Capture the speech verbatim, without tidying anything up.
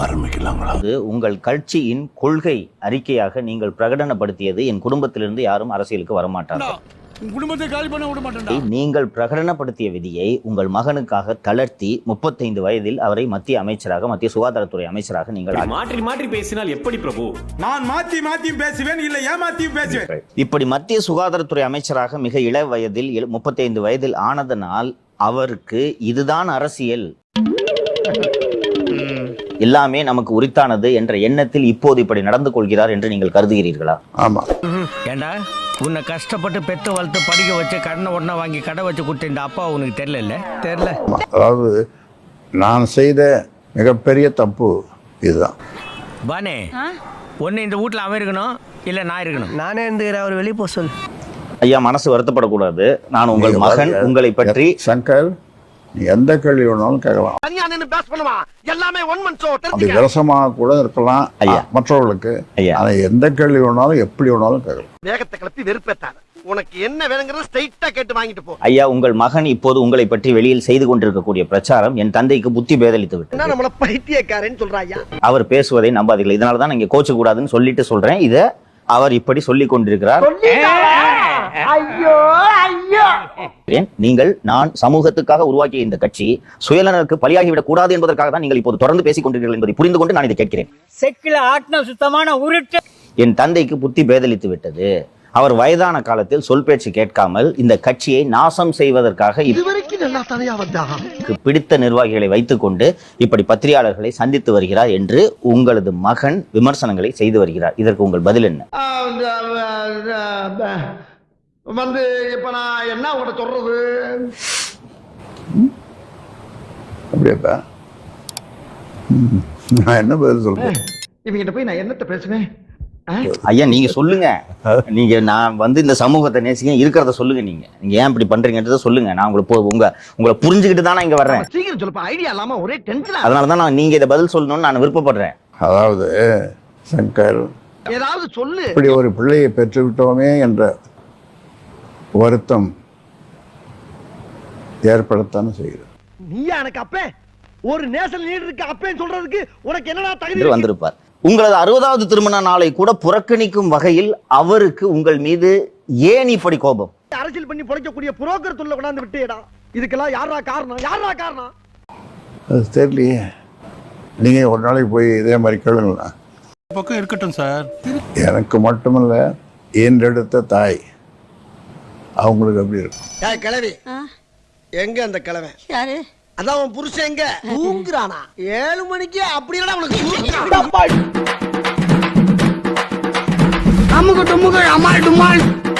ஆரம்பிக்கலாங்களா? உங்கள் கட்சியின் கொள்கை அறிக்கையாக நீங்கள் பிரகடனப்படுத்தியது என் குடும்பத்திலிருந்து யாரும் அரசியலுக்கு வரமாட்டார்கள். குடும்பத்தை காலி பண்ண விட மாட்டேன். நீங்கள் பிரகடனப்படுத்திய விதியை உங்கள் மகனுக்காக தளர்த்தி முப்பத்தைந்து வயதில் அவரை மத்திய அமைச்சராக மத்திய சுகாதாரத்துறை அமைச்சராக நீங்கள் மாற்றி மாற்றி பேசினால் எப்படி பிரபு? நான் மாத்தி மாத்தி பேசுவேன், இல்ல ஏமாத்தியும் பேசுவேன். இப்படி மத்திய சுகாதாரத்துறை அமைச்சராக மிக இள வயதில் முப்பத்தைந்து வயதில் ஆனதனால் அவருக்கு இதுதான் அரசியல், எல்லாமே நமக்கு உரித்தானது என்ற எண்ணத்தில் இப்போது இப்படி நடந்து கொள்கிறார் என்று நீங்கள் கருதுகிறீர்களா? ஆமா. ஏண்டா உன்னை கஷ்டப்பட்டு பெத்து வளர்த்து படிக்க வச்சு கடனை உடனே வாங்கி கடை வச்சு கொடுத்த இந்த அப்பா உனக்கு தெரியல தெரியல அதாவது நான் செய்த மிகப்பெரிய தப்பு இதுதான். பானே ஒன்னு இந்த வீட்டுல அவன் இருக்கணும் இல்ல நான் இருக்கணும். நானே இருந்துக்கிறேன், அவர் வெளியே போக சொல். ஐயா, மனசு வருத்தப்படக்கூடாது. நான் உங்கள் மகன், உங்களை பற்றி சங்கர் நீ எந்த கேள்வி வேணாலும் கேட்கலாம். அப்படி விரசமாக கூட இருக்கலாம் ஐயா மற்றவர்களுக்கு. ஐயா, ஆனா எந்த கேள்வி வேணாலும் எப்படி வேணாலும் கேட்கலாம். வேகத்தை கிளப்பி வெறுப்பேத்தாத. உனக்கு என்ன வேணுங்கிறத ஸ்ட்ரைட்டா கேட்டு வாங்கிட்டு போ. ஐயா, உங்கள் மகன் இப்போது உங்களை பற்றி வெளியில் செய்து கொண்டிருக்கக்கூடிய பிரச்சாரம் என் தந்தைக்கு புத்தி பேதலித்து விட்டது. நம்மள பைத்தியக்காரன்னு சொல்றாயா? அவர் பேசுவதை நம்பாதீர்கள். இதனால தான் நீங்க கோச்சு கூடாதுன்னு சொல்லிட்டு சொல்றேன். இத அவர் இப்படி சொல்லிக் கொண்டிருக்கிறார். நீங்கள் நான் சமூகத்துக்காக உருவாக்கிய இந்த கட்சி சுயநலனுக்கு பலியாகிவிடக் கூடாது என்பதற்காக தான் நீங்கள் இப்போது தொடர்ந்து பேசிக் கொண்டிருக்கிறீர்கள் என்பதை புரிந்து கொண்டு நான் இதை கேட்கிறேன். செக்கில ஆட்டின சுத்தமான உருட்டு. என் தந்தைக்கு புத்தி பேதலித்து விட்டது. அவர் வயதான காலத்தில் சொல் பேச்சு கேட்காமல் இந்த கட்சியை நாசம் செய்வதற்காக பிடித்த நிர்வாகிகளை வைத்துக் கொண்டு இப்படி பத்திரிகையாளர்களை சந்தித்து வருகிறார் என்று உங்களது மகன் விமர்சனங்களை செய்து வருகிறார். இதற்கு உங்கள் பதில் என்ன? வந்து இப்ப நான் என்ன உங்கள்ட்ட சொல்றது? அப்படியாப்பா, நான் என்ன பதில் சொல்றேன்? இவங்கிட்ட போய் நான் என்னத்த பேசுவேன்? ஐயா, நீங்க சொல்லுங்க. நீங்க நான் வந்து இந்த சமூகத்தை நேசிக்க இருக்கிறத சொல்லுங்க. நீங்க நீங்க ஏன் இப்படி பண்றீங்கன்றத சொல்லுங்க. நான் உங்களுக்கு உங்க உங்களை புரிஞ்சுக்கிட்டு தான் நான் இங்க வர்றேன். சீக்கிரம் சொல்லப்பா, ஐடியா இல்லாம ஒரே டென்ஷன். அதனாலதான் நான் நீங்க இதை பதில் சொல்லணும்னு நான் விருப்பப்படுறேன். அதாவது சங்கர், ஏதாவது சொல்லு. இப்படி ஒரு பிள்ளையை பெற்றுவிட்டோமே என்ற வருத்தம் ஏற்படத்தானே செய்கிறது. நீயா எனக்கு அப்பே ஒரு நேஷனல் லீடர் இருக்கு அப்பேன்னு சொல்றதுக்கு உனக்கு என்னடா தகுதி வந்திருப்பார். உங்களது அறுபதாவது திருமண நாளை கூட புறக்கணிக்கும் வகையில் அவருக்கு உங்கள் மீது ஏன் இப்படி கோபம்? அரசியல் பண்ணி பொழைக்கக்கூடிய புரோக்கர் தொல்லை கொண்டாந்து விட்டேடா. இதுக்கெல்லாம் யாரா காரணம்? யாரா காரணம்? அது தெரியலையே. நீங்க ஒரு நாளைக்கு போய் இதே மாதிரி கேளுங்களா? பக்கம் இருக்கட்டும் சார். எனக்கு மட்டுமல்ல, என்றெடுத்த தாய் அவங்களுக்கு எப்படி இருக்கும்? ஏய் கிழவி, எங்க அந்த கிழவன்? யாரு? அதான் உன் புருஷன் எங்க தூங்குறானா? ஏழு மணிக்கு அப்படியே உனக்கு அமுக டுமுக அமால் டுமால்.